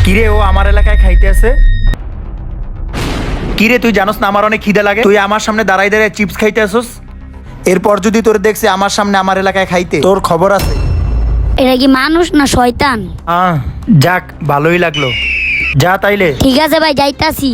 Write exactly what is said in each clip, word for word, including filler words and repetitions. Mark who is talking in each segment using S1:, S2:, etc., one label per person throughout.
S1: কিরে ও আমার এলাকায় খাইতে আছে? কিরে তুই জানোস না আমার অনেক খিদে লাগে? তুই আমার সামনে দাঁড়াই দাঁড়ায় চিপস খাইতে আসোস। এরপর যদি তোর দেখছি আমার সামনে আমার এলাকায় খাইতে, তোর খবর আছে।
S2: এটা কি মানুষ না শয়তান?
S1: আহ যাক, ভালোই লাগলো। যা তাইলে।
S2: ঠিক আছে ভাই, যাইতাছি।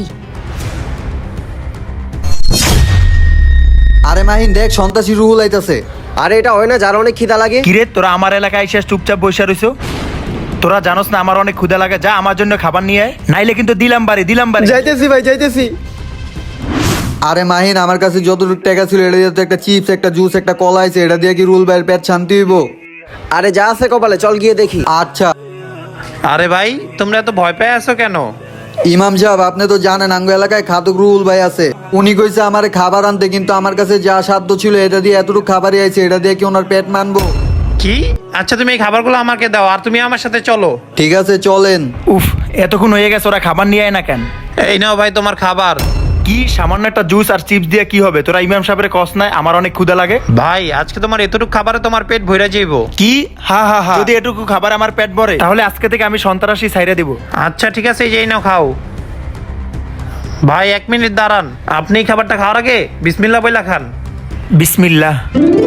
S3: আরে মাহিন দেখ, সন্ত্রাসী রুহুল আইতাছে।
S4: আরে এটা হয় না যার অনেক খিদা লাগে?
S1: কিরে তোরা আমার এলাকায় এসে চুপচাপ বসে রইছো? তোরা জানোস না আমার অনেক ক্ষুধা লাগে? যা আমার জন্য খাবার নিয়ে আয়, নাইলে কিন্তু দিলাম বাড়ি দিলাম বাড়ি।
S4: যাইতেছি ভাই, যাইতেছি।
S3: আরে মাহিন, আমার কাছে যতটুকু টাকা ছিল এটা দিয়ে তো একটা চিপস, একটা জুস, একটা কলা আছে, এটা দিয়ে কি রুহুল ভাইয়ের পেট শান্তি হইব?
S4: আরে যা আছে কপালে, চল গিয়ে দেখি।
S3: আচ্ছা।
S5: আরে ভাই, তোমরা এত ভয় পেয়ে আছো কেন?
S3: ইমাম সাহেব, আপনি তো জানেন আঙ্গ এলাকায় খাদক রুহুল ভাই আছে। উনি কইছে আমারে খাবার আনতে, কিন্তু আমার কাছে যা সাধ্য ছিল এটা দিয়ে এতটুকু খাবারই আইছে, এটা দিয়ে কি ওনার পেট মানবো?
S5: কি? আচ্ছা তুমি এই খাবারগুলো আমাকে দাও, আর তুমি আমার সাথে চলো।
S3: ঠিক আছে চলেন।
S1: উফ, এতক্ষণ হয়ে গেছে, ওরা খাবার নিয়ে আয় না কেন?
S5: এই নাও ভাই তোমার খাবার।
S1: কি সামান্য একটা জুস আর চিপস দিয়ে কি হবে? তোরা ইমাম সাহেবের কস নাই আমার অনেক ক্ষুধা লাগে?
S5: ভাই আজকে তোমার এতটুকু খাবারে তোমার পেট ভরে যাইবো।
S1: কি? হা হা হা, যদি এটুকু খাবার আমার পেট ভরে তাহলে আজকে থেকে আমি সন্ত্রাসী ছাইরে দিব।
S5: আচ্ছা ঠিক আছে, এই নাও খাও। ভাই এক মিনিট দাঁড়ান, আপনি এই খাবারটা খাওয়ার আগে বিসমিল্লাহ বইলা খান।
S1: বিসমিল্লাহ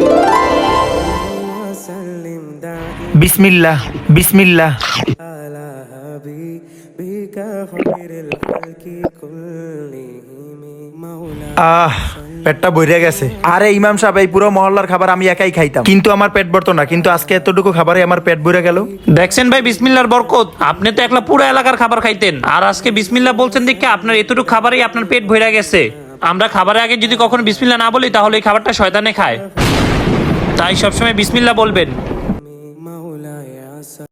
S1: বিসমিল্লাহ বিসমিল্লাহ। আহ পেটটা ভরে গেছে। আরে ইমাম সাহেব, এই পুরো মহল্লার খাবার আমি একাই খাইতাম, কিন্তু আমার পেট ভরতো না, কিন্তু আজকে এতটুকু খাবারে আমার পেট ভরে গেল।
S5: দেখছেন ভাই বিসমিল্লাহর বরকত, আপনি তো একলা পুরো এলাকার খাবার খাইতেন, আর আজকে বিসমিল্লাহ বলছেন দেখে আপনার এতটুকু খাবারই আপনার পেট ভরে গেছে। আমরা খাবারের আগে যদি কখনো বিসমিল্লাহ না বলি তাহলে এই খাবারটা শয়তানে খায়, তাই সবসময় বিসমিল্লাহ বলবেন।